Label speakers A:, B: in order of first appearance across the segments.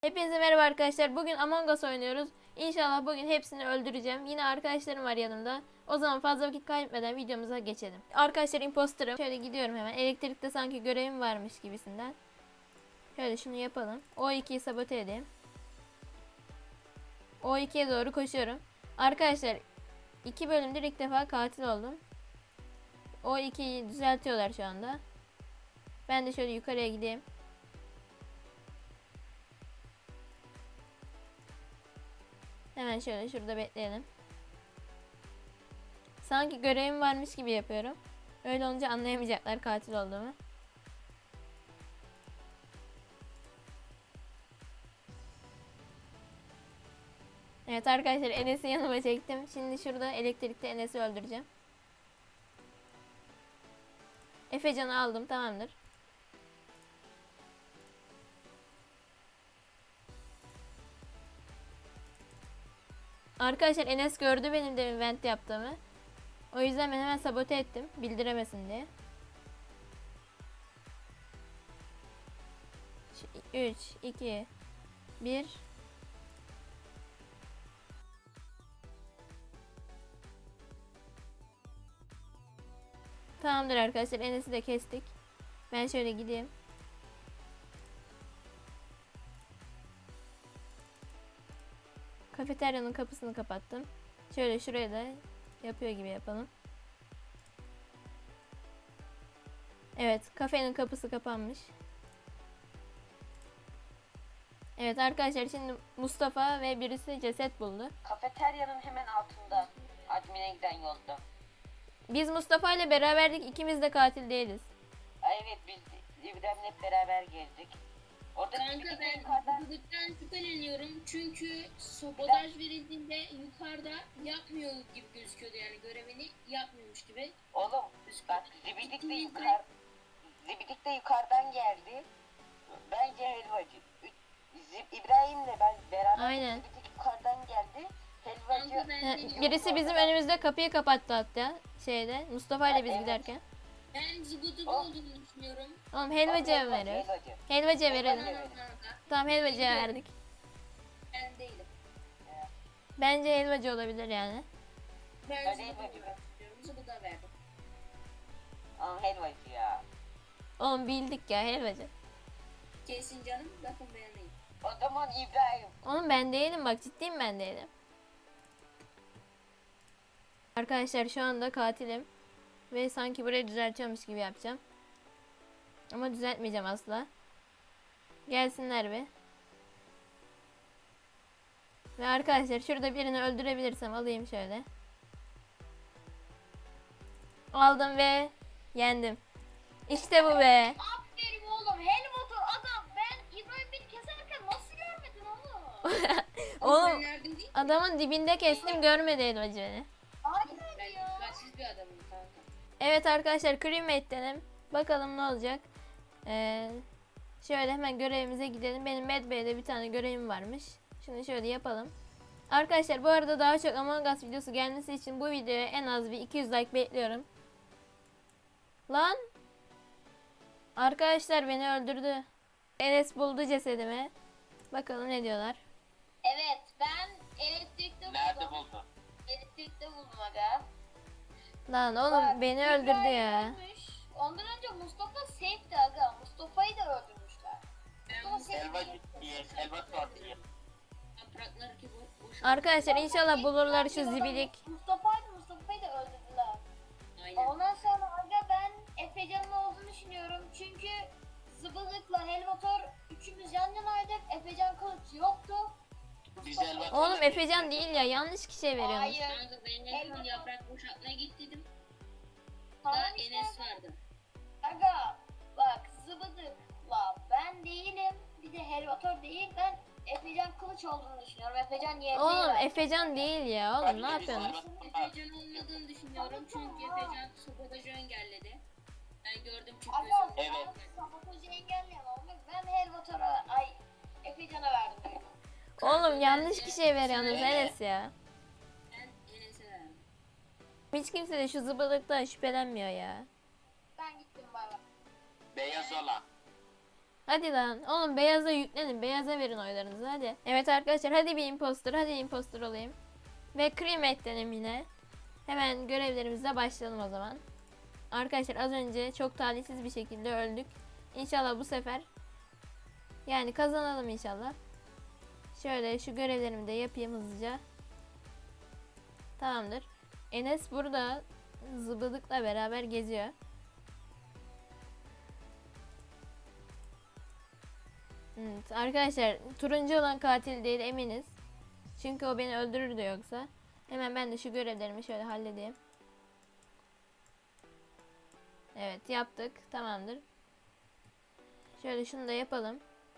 A: Hepinize merhaba arkadaşlar. Bugün Among Us oynuyoruz. İnşallah bugün hepsini öldüreceğim. Yine arkadaşlarım var yanımda. O zaman fazla vakit kaybetmeden videomuza geçelim. Arkadaşlar imposterım. Şöyle gidiyorum hemen. Elektrikte sanki görevim varmış gibisinden. Şöyle şunu yapalım. O2'yi sabote edeyim. O2'ye doğru koşuyorum. Arkadaşlar 2 bölümdür ilk defa katil oldum. O2'yi düzeltiyorlar şu anda. Ben de şöyle yukarıya gideyim. Hemen şöyle şurada bekleyelim. Sanki görevim varmış gibi yapıyorum. Öyle olunca anlayamayacaklar katil olduğumu. Evet arkadaşlar, Enes'i yanıma çektim. Şimdi şurada elektrikte Enes'i öldüreceğim. Efecan'ı aldım, tamamdır. Arkadaşlar Enes gördü benim de vent yaptığımı. O yüzden ben hemen sabote ettim. Bildiremesin diye. 3, 2, 1. Tamamdır arkadaşlar, Enes'i de kestik. Ben şöyle gideyim. Kafeteryanın kapısını kapattım. Şöyle şuraya da yapıyor gibi yapalım. Evet, kafenin kapısı kapanmış. Evet arkadaşlar, şimdi Mustafa ve birisi ceset buldu.
B: Kafeteryanın hemen altında. Admin'e giden yolda.
A: Biz Mustafa ile beraberdik, ikimiz de katil değiliz.
B: Ay evet, biz İbrahim'le hep beraber geldik. Orada
C: Kanka ben yukarıdan şüpheleniyorum çünkü sabotaj verildiğinde yukarıda yapmıyor gibi gözüküyordu, yani görevini yapmıyormuş gibi.
B: Oğlum bak, Zibidik de yukarıdan geldi. Bence helvacı. İbrahim'le ben beraber
A: Aynen.
B: Zibidik yukarıdan geldi. Helvacı.
C: Kanka ben
A: Birisi bizim önümüzde kapıyı kapattı hatta şeyde, Mustafa ile biz
B: Evet.
A: giderken.
C: ben zıbıdık olduğunu düşünüyorum.
A: Oğlum helvacıya veriyoruz. Helvacıya verelim.
B: Evet.
C: Kanka
A: Tamam, helvacıya verdik.
C: ben değilim.
A: Bence helvacı olabilir yani.
C: Ben
B: Ben
C: zıbıdık
B: helvacı.
C: düşünüyorum. Zıbıda verdim.
B: Aa, helvacı ya.
A: Oğlum bildik ya, helvacı.
C: Kesin canım, bakın beğenmeyin.
B: O zaman İbrahim.
A: Oğlum ben değilim, bak ciddiyim, ben değilim. Arkadaşlar şu anda katilim. Ve sanki burayı düzeltiyormuş gibi yapacağım. Ama düzeltmeyeceğim asla. Gelsinler bir. Ve arkadaşlar şurada birini öldürebilirsem alayım şöyle. Aldım ve yendim. İşte bu be.
C: Aferin oğlum, Helmut'u adam, ben İbrahim beni keserken nasıl görmedin oğlum?
A: Oğlum
C: Nereden değil?
A: adamın dibinde kestim, görmedi helvacı beni.
C: Ben dikkatsiz bir adamım kanka.
A: Evet arkadaşlar, crewmate'lerim. Bakalım ne olacak. Şöyle hemen görevimize gidelim. Benim Medbay'de bir tane görevim varmış. Şimdi şöyle yapalım. Arkadaşlar bu arada daha çok Among Us videosu gelmesi için bu videoya en az bir 200 like bekliyorum. Lan! Arkadaşlar beni öldürdü. Enes buldu cesedimi. Bakalım ne diyorlar.
C: Evet, ben elektrikte buldum.
B: Nerede buldun?
C: Elektrikte buldum aga.
A: Lan oğlum beni öldürdü ya.
C: Ölmüş. Ondan önce Mustafa safe'ti aga. Mustafa'yı da öldürmüşler. Mustafa
B: Helvacı diye, helva var diye.
C: Yaprakları ki boş.
A: Arkadaşlar inşallah bulurlar şu zibilik.
D: Mustafa'yı da öldürdüler.
C: Aynen.
D: Ondan sonra aga ben Efecan'ın olduğunu düşünüyorum. Çünkü Zıbılık'la Helvator üçümüz yan yanaydık. Efecan kılıç yoktu.
B: Biz helva.
A: Oğlum Efecan değil ya, yanlış kişiye veriyorsunuz.
D: Hayır.
C: Kanka ben en son yaprak boşaltmaya gittim.
D: Tamam
C: Daha
D: işte.
C: Enes vardı.
D: Aga bak Zıbılık'la ben değilim. Bir de Helvator değil. Ben Efecan kılıç olduğunu düşünüyorum. Efecan yeğeni.
A: Oğlum Efecan değil ya, oğlum ne yapıyorsunuz?
C: Efecan olmadığını düşünüyorum çünkü Efecan sabotajı engelledi. Ben gördüm çünkü
D: Aga
C: gözümle.
B: Evet.
D: sabotajı engelleyen olmak. Ben Helvator'a Efecan'a verdim. Benim.
A: Oğlum yanlış kişiye veriyorsunuz Enes ya.
C: Ben Enes'e verdim.
A: Hiç kimse de şu zıbılıktan şüphelenmiyor ya.
D: Ben gittim baba.
B: Beyaz olan.
A: Hadi lan. Oğlum beyaza yüklenin. Beyaza verin oylarınızı hadi. Evet arkadaşlar hadi bir imposter. Hadi imposter olayım. Ve crewmate'lenim yine. Hemen görevlerimize başlayalım o zaman. Arkadaşlar az önce çok talihsiz bir şekilde öldük. İnşallah bu sefer yani kazanalım inşallah. Şöyle şu görevlerimi de yapayım hızlıca. Tamamdır. Enes burada zıbıdıkla beraber geziyor. Evet, arkadaşlar turuncu olan katil değil eminiz. Çünkü o beni öldürürdü yoksa. Hemen ben de şu görevlerimi şöyle halledeyim. Evet yaptık. Tamamdır. Şöyle şunu da yapalım.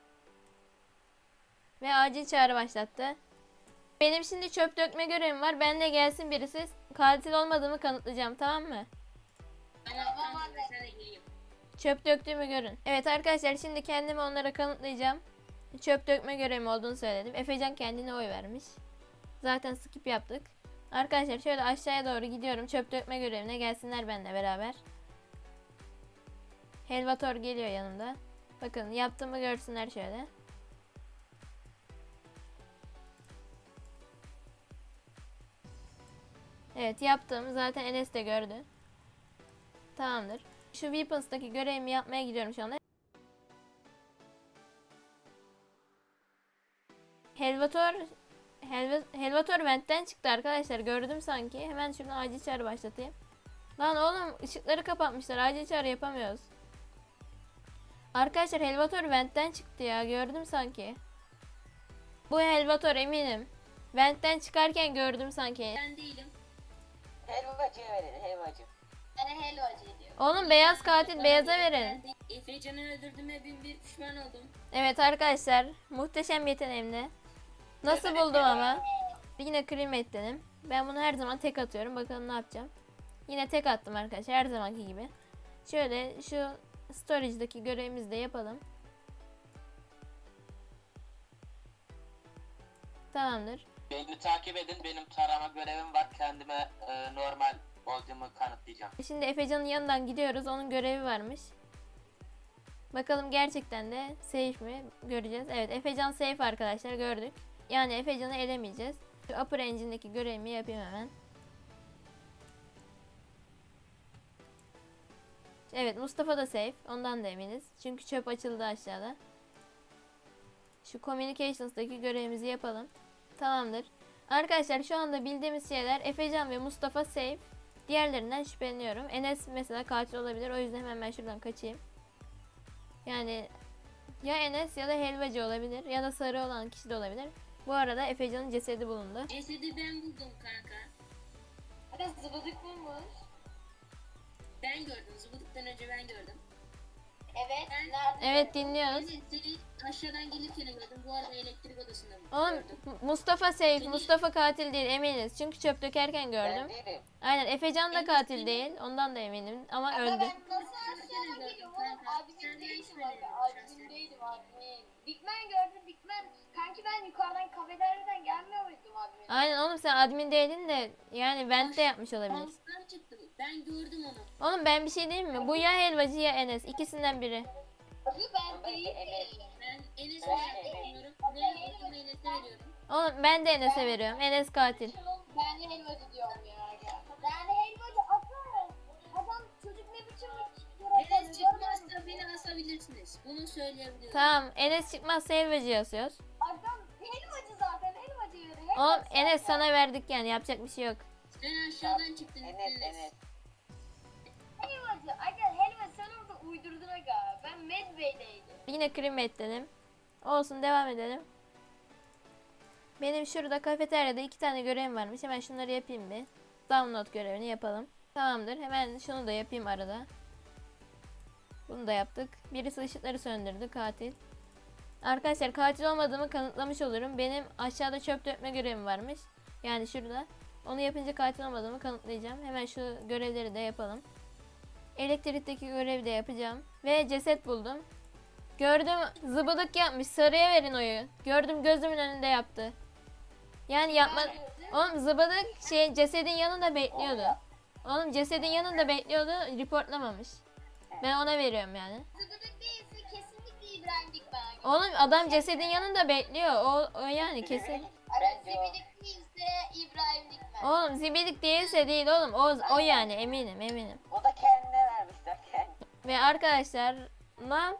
A: Ve acil çağrı başlattı. Benim şimdi çöp dökme görevim var. Ben de gelsin birisi. Katil olmadığımı kanıtlayacağım, tamam mı?
C: Tamam abi. Sen de geleyim.
A: Çöp döktüğümü görün. Evet arkadaşlar şimdi kendimi onlara kanıtlayacağım. Çöp dökme görevim olduğunu söyledim. Efecan kendine oy vermiş. Zaten skip yaptık. Arkadaşlar şöyle aşağıya doğru gidiyorum. Çöp dökme görevine gelsinler benimle beraber. Helvator geliyor yanımda. Bakın yaptığımı görsünler şöyle. Evet yaptım. Zaten Enes de gördü. Tamamdır. Şu Weapons'taki görevimi yapmaya gidiyorum şu anda. Helvator ventten çıktı arkadaşlar. Gördüm sanki. Hemen şuradan acil çağrı başlatayım. Lan oğlum ışıkları kapatmışlar. Acil çağrı yapamıyoruz. Arkadaşlar Helvator ventten çıktı ya. Gördüm sanki. Bu Helvator eminim. Ventten çıkarken gördüm sanki.
C: Ben değilim.
B: Helvacıya verin helvacı.
D: Yani helvacı diyor.
A: Oğlum beyaz katil beyaza
C: Ben
A: verin.
C: de Efecan'ı öldürdüğüme bin bir pişman oldum.
A: Evet arkadaşlar muhteşem yeteneğimle. Nasıl buldum ama. Yine crewmate'ledim. Ben bunu her zaman tek atıyorum. Bakalım ne yapacağım. Yine tek attım arkadaşlar her zamanki gibi. Şöyle şu storage'daki görevimizi de yapalım. Tamamdır.
E: Beni takip edin. Benim tarama görevim var. Kendime normal olduğumu kanıtlayacağım.
A: Şimdi Efecan'ın yanından gidiyoruz. Onun görevi varmış. Bakalım gerçekten de safe mi? Göreceğiz. Evet Efecan safe arkadaşlar gördük. Yani Efecan'ı elemeyeceğiz. Şu upper engine'deki görevimi yapayım hemen. Evet Mustafa da safe. Ondan da eminiz. Çünkü çöp açıldı aşağıda. Şu communications'daki görevimizi yapalım. Tamamdır. Arkadaşlar şu anda bildiğimiz şeyler Efecan ve Mustafa safe. Diğerlerinden şüpheleniyorum. Enes mesela katil olabilir. O yüzden hemen ben şuradan kaçayım. Yani ya Enes ya da helvacı olabilir. Ya da sarı olan kişi de olabilir. Bu arada Efecan'ın cesedi bulundu.
C: Cesedi ben buldum kanka.
D: Hadi zıbıdık bulmuş.
C: Ben gördüm. Zıbıdıktan önce ben gördüm.
D: Evet.
C: Ben-
D: Nerede?
A: Evet dinliyoruz.
C: Evet, seni aşağıdan gelirken gördüm. Bu arada elektrik odasında
A: Oğlum
C: gördüm.
A: Mustafa safe. Mustafa katil değil eminiz. Çünkü çöp dökerken gördüm.
B: Ben değilim.
A: Aynen Efecan da
C: Enes
A: katil
C: benim-
A: değil. Ondan da eminim ama
D: Ama
A: öldü.
D: ben nasıl aşağıdan geliyorum oğlum?
C: Kanka,
D: Admin
C: sen de
D: değilim
C: hiç
D: abi.
C: bilmiyorum
D: Admin
C: şahsen.
D: değilim admin. Bigman gördüm Bigman. Kanki ben yukarıdan kafeteryadan gelmiyor muydum admin?
A: Aynen oğlum sen admin değildin de yani vent de yapmış olabilir.
C: Monster çıktı. Ben gördüm onu.
A: Oğlum ben bir şey diyeyim mi? Bu ya helvacı ya Enes. İkisinden biri.
D: Abi ben
B: Ben
D: değilim.
C: Ben Enes'e
D: Ben-
C: veriyorum.
D: Ben-
C: Ve olduğunu Enes'e veriyorum.
A: Oğlum ben de Enes'e veriyorum. Enes katil.
D: Ben helvacı diyorum ya. Yani helvacı atar. Adam çocuk ne biçim
C: Enes çıkmazsa beni asabilirsiniz. Bunu söyleyebilirim.
A: Tamam Enes çıkmazsa helvacı yazıyoruz.
D: Adam helvacı zaten helvacı yürü.
A: Oğlum Enes sana verdik yani yapacak bir şey yok.
C: Sen aşağıdan çıktın.
B: Enes.
D: Helvacı. Aga helva sen orada uydurdun aga. Ben Medbay'deydim.
A: Yine crewmate dedim. Olsun devam edelim. Benim şurada kafeteryada 2 tane görevim varmış. Hemen şunları yapayım bir. Download görevini yapalım. Tamamdır. Hemen şunu da yapayım arada. Bunu da yaptık. Birisi ışıkları söndürdü katil. Arkadaşlar katil olmadığımı kanıtlamış olurum. Benim aşağıda çöp dökme görevim varmış. Yani şurada. Onu yapınca katil olmadığımı kanıtlayacağım. Hemen şu görevleri de yapalım. Elektrikteki görevi de yapacağım. Ve ceset buldum. Gördüm zıbıdık yapmış. Sarıya verin oyu. Gördüm gözümün önünde yaptı. Yani yapma... Oğlum zıbıdık cesedin yanında bekliyordu. Oğlum cesedin yanında bekliyordu. Reportlamamış. Ben ona veriyorum yani.
D: Zıbıdık değilse kesinlikle İbrahim.
A: Oğlum adam cesedin yanında bekliyor. O yani kesin.
B: Zibidik.
D: Aga
B: Bence o.
D: Zibidik değilse İbrahim Dikmen.
A: Oğlum zibidik değilse değil oğlum. O yani eminim.
B: O da kendine vermişler kendi.
A: Ve arkadaşlar lan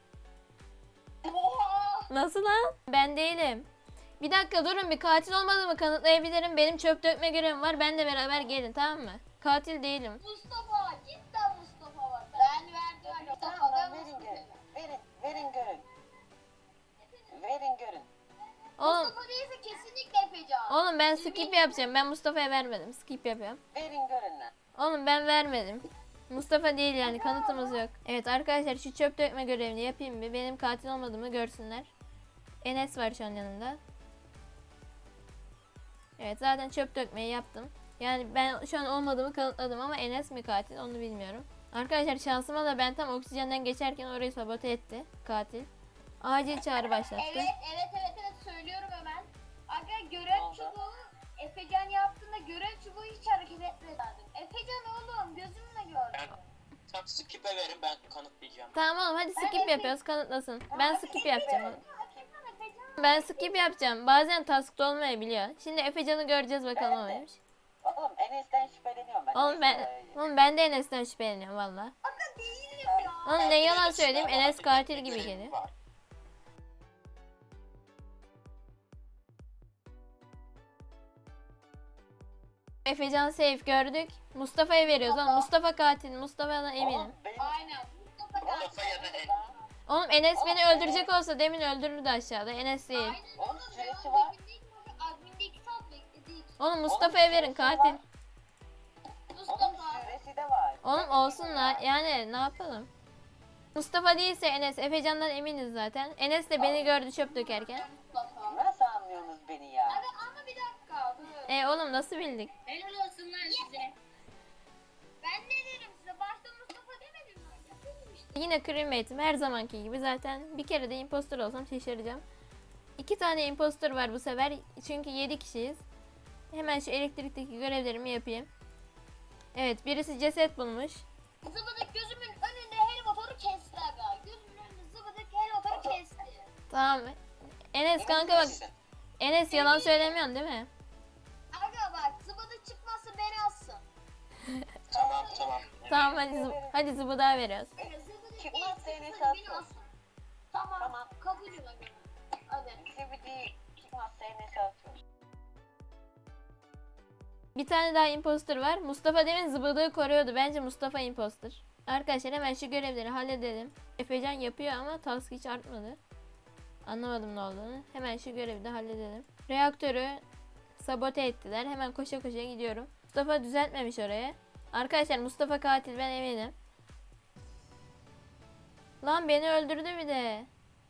D: Oha!
A: nasıl lan? Ben değilim. Bir dakika durun, bir katil olmadığımı kanıtlayabilirim. Benim çöp dökme görevim var. Benle beraber gelin, tamam mı? Katil değilim.
D: Mustafa, cidden Mustafa var. Ben verdim Mustafa
B: Tamam
D: ve
B: lan verin
D: Mustafa.
B: görün. Verin görün. Verin görün.
A: Oğlum,
D: Mustafa değilse kesinlikle Efecan.
A: oğlum ben skip yapacağım. Ben Mustafa'ya vermedim. Skip yapıyorum.
B: Verin görün lan.
A: Oğlum ben vermedim. Mustafa değil yani, kanıtımız yok. Evet arkadaşlar, şu çöp dökme görevini yapayım bir. Benim katil olmadığımı görsünler. Enes var şu an yanımda. Evet zaten çöp dökmeyi yaptım. Yani ben şu an olmadığımı kanıtladım ama Enes mi katil onu bilmiyorum. Arkadaşlar şansıma da ben tam oksijenden geçerken orayı sabote etti katil. Acil çağrı başlattı.
D: Evet söylüyorum hemen. Aga
B: Ne
D: görev
B: oldu?
D: çubuğu Efecan yaptığında görev çubuğu hiç hareket etmedi. Efecan oğlum gözümle gördüm.
E: Tam skip'e verin, ben kanıtlayacağım.
A: Tamam oğlum hadi skip yapıyoruz, kanıtlasın. Ben skip yapacağım oğlum.
D: Efecan.
A: Ben skip yapacağım. Bazen task'ta olmayabiliyor. Şimdi Efecan'ı göreceğiz bakalım o neymiş.
B: Oğlum Enes'ten şüpheleniyorum ben.
A: Oğlum ben de Enes'ten şüpheleniyorum valla.
D: Aga değilim ya.
A: Oğlum ne yalan söyleyeyim, Enes katil gibi geliyor.
E: Var.
A: Efecan safe gördük. Mustafa'ya veriyoruz oğlum. Mustafa katil. Mustafa'dan eminim.
B: Oğlum benim
D: Aynen. Mustafa geldi.
E: Mustafa ya da en.
A: Oğlum Enes beni öldürecek olsa demin öldürürdü aşağıda. Enes değil.
D: Aynen.
B: Oğlum süresi var.
D: Adminde 2 saat bekledik.
A: Oğlum Mustafa'ya verin katil.
B: Onun
D: Mustafa.
B: süresi de var.
A: Oğlum olsun la. Yani ne yapalım? Mustafa değilse Enes. Efecan'dan eminiz zaten. Enes de beni gördü çöp dökerken.
D: Mustafa.
B: Nasıl anlıyorsunuz beni ya?
D: Aga ama bir dakika. Dur.
A: Oğlum nasıl bildik?
C: Helal olsun lan size.
D: Ben ne dedim size? Başta Mustafa demedim mi? Yapayım işte.
A: Yine crewmate'im her zamanki gibi, zaten bir kere de impostor olsam şaşıracağım. 2 tane impostor var bu sefer çünkü 7 kişiyiz. Hemen şu elektrikteki görevlerimi yapayım. Evet, birisi ceset bulmuş.
D: Zıbıdık gözümün önünde helikopteri kesti aga. Gözümün önünde zıbıdık helikopteri kesti.
A: Tamam. Enes kanka bak. Enes yalan söylemiyorsun değil mi?
D: Aga bak zıbıdık çıkmazsa beni alsın.
E: Tamam.
A: Tamam hadi zıbıdağı veriyoruz.
D: Aga zıbıdık
B: Çıkmazsa
D: değilse
B: Enes'i
D: beni
B: atıyor.
D: alsın. Tamam.
B: Tamam.
D: Kabulüm aga. Hadi.
B: Zibidi çıkmazsa Enes'e atıyoruz.
A: Bir tane daha impostor var. Mustafa demin zıbıdığı koruyordu. Bence Mustafa impostor. Arkadaşlar hemen şu görevleri halledelim. Efecan yapıyor ama task hiç artmadı. Anlamadım ne olduğunu. Hemen şu görevi de halledelim. Reaktörü sabote ettiler. Hemen koşa koşa gidiyorum. Mustafa düzeltmemiş oraya. Arkadaşlar Mustafa katil, ben eminim. Lan beni öldürdü bir de.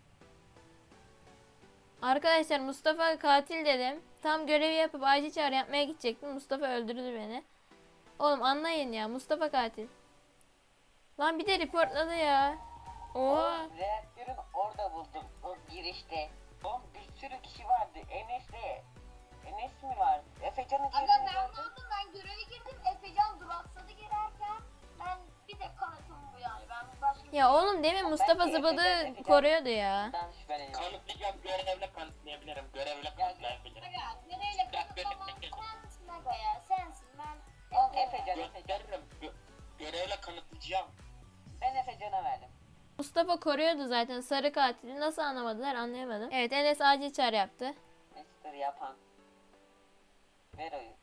A: Arkadaşlar Mustafa katil dedim. Tam görevi yapıp acil çağrı yapmaya gidecektim. Mustafa öldürdü beni. Oğlum anlayın ya, Mustafa katil. Lan bir de reportladı ya. Oo.
B: Oğlum reaktörün orada buldum. O girişte. Oğlum bir sürü kişi vardı. Enes mi vardı? Efecan'ı
D: Aga
B: girdiğini
D: ben
B: gördüm.
D: aldım, ben göreve girdim. Efecan duraksadı girerken. Ben bir tek kanıtım bu yani. Ben başka
A: Ya oğlum demin Mustafa zıbıdı koruyordu ya.
B: Ben şüpheleniyorum.
E: Kanıtlayacağım, görevle kanıtlayabilirim. Görevle kanıtlayabilirim.
D: Aga nereyle kanıtlamam sensin aga ya. Sensin ben.
B: Oğlum Efecan.
E: Gösteririm. Görevle kanıtlayacağım.
B: Ben Efecan'a verdim.
A: Mustafa koruyordu zaten sarı katili. Nasıl anlamadılar anlayamadım. Evet, Enes acil çağrı yaptı.
B: Mister yapan. Ver oyu.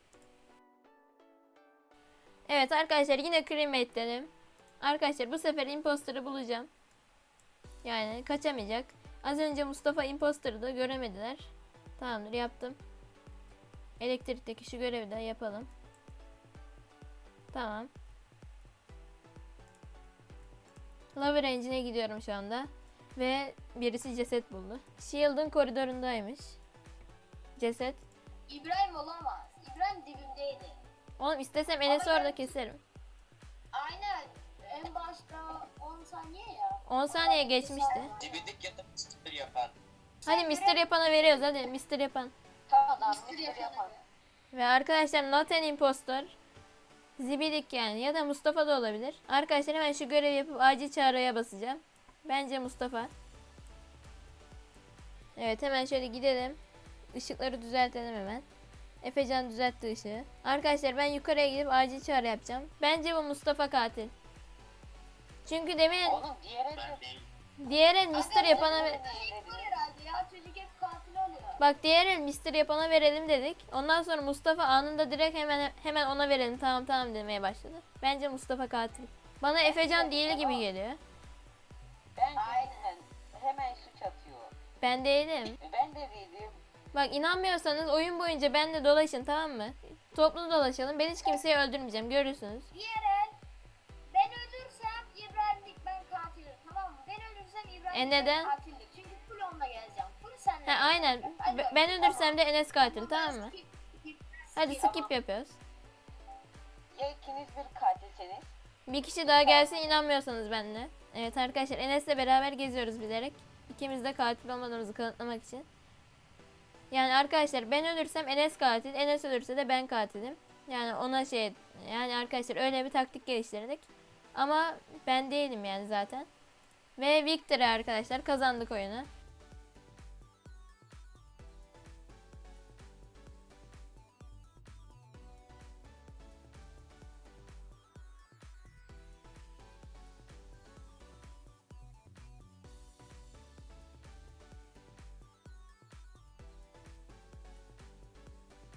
A: Evet arkadaşlar yine crewmate dedim. Arkadaşlar bu sefer imposter'ı bulacağım. Yani kaçamayacak. Az önce Mustafa imposter'ı da göremediler. Tamamdır, yaptım. Elektrikteki şu görevi de yapalım. Tamam. Lava Range'ine gidiyorum şu anda. Ve birisi ceset buldu. Shield'ın koridorundaymış. Ceset.
D: İbrahim olamaz. İbrahim dibimdeydi.
A: Oğlum istesem Enes'i orada keserim.
D: Aynen. En başta 10 saniye ya.
A: 10 saniye geçmişti.
E: Dibidik ya da sticker yapan.
A: Hadi Mr. Yapan'a veriyoruz, hadi Mr. Yapan.
B: Tamam
D: Mister
B: Mister yapan.
D: yapan.
A: Ve arkadaşlar not an impostor. Zibidik yani, ya da Mustafa da olabilir. Arkadaşlar hemen şu görevi yapıp acil çağrıya basacağım. Bence Mustafa. Evet, hemen şöyle gidelim. Işıkları düzeltelim hemen. Efecan düzeltti ışığı. Arkadaşlar ben yukarıya gidip acil çağrı yapacağım. Bence bu Mustafa katil. Çünkü demin
B: Oğlum diğer
E: Ben
B: elde
E: değil.
A: diğer el Mr. yapana
D: Çocuk var herhalde ya. Çocuk hep katil oluyor.
A: bak diğer el Mr. yapana verelim dedik. Ondan sonra Mustafa anında direkt hemen ona verelim. Tamam demeye başladı. Bence Mustafa katil. Bana Efecan değil gibi geliyor.
B: bence
D: Aynen.
B: hemen suç atıyor.
A: Ben değilim.
B: Ben de değilim.
A: Bak inanmıyorsanız oyun boyunca benimle dolaşın, tamam mı? Toplu dolaşalım. Ben hiç kimseyi öldürmeyeceğim. Görürsünüz.
D: Diğer el. Ben ölürsem İbrahim ben katilim, tamam mı? Ben ölürsem İbrahim
A: neden?
D: katildir. Çünkü full onunla geleceğim. Full senle.
A: Ha, aynen. Ben öldürsem de Enes katil, tamam mı? Hadi
D: Skip.
A: skip yapıyoruz.
B: Ya ikiniz bir katilseniz?
A: Bir kişi daha gelsin inanmıyorsanız benimle. Evet arkadaşlar, Enes'le beraber geziyoruz bilerek. İkimiz de katil olmadığımızı kanıtlamak için. Yani arkadaşlar ben ölürsem Enes katil, Enes ölürse de ben katilim. Yani ona yani arkadaşlar öyle bir taktik geliştirdik. Ama ben değilim yani zaten. Ve victory arkadaşlar, kazandık oyunu.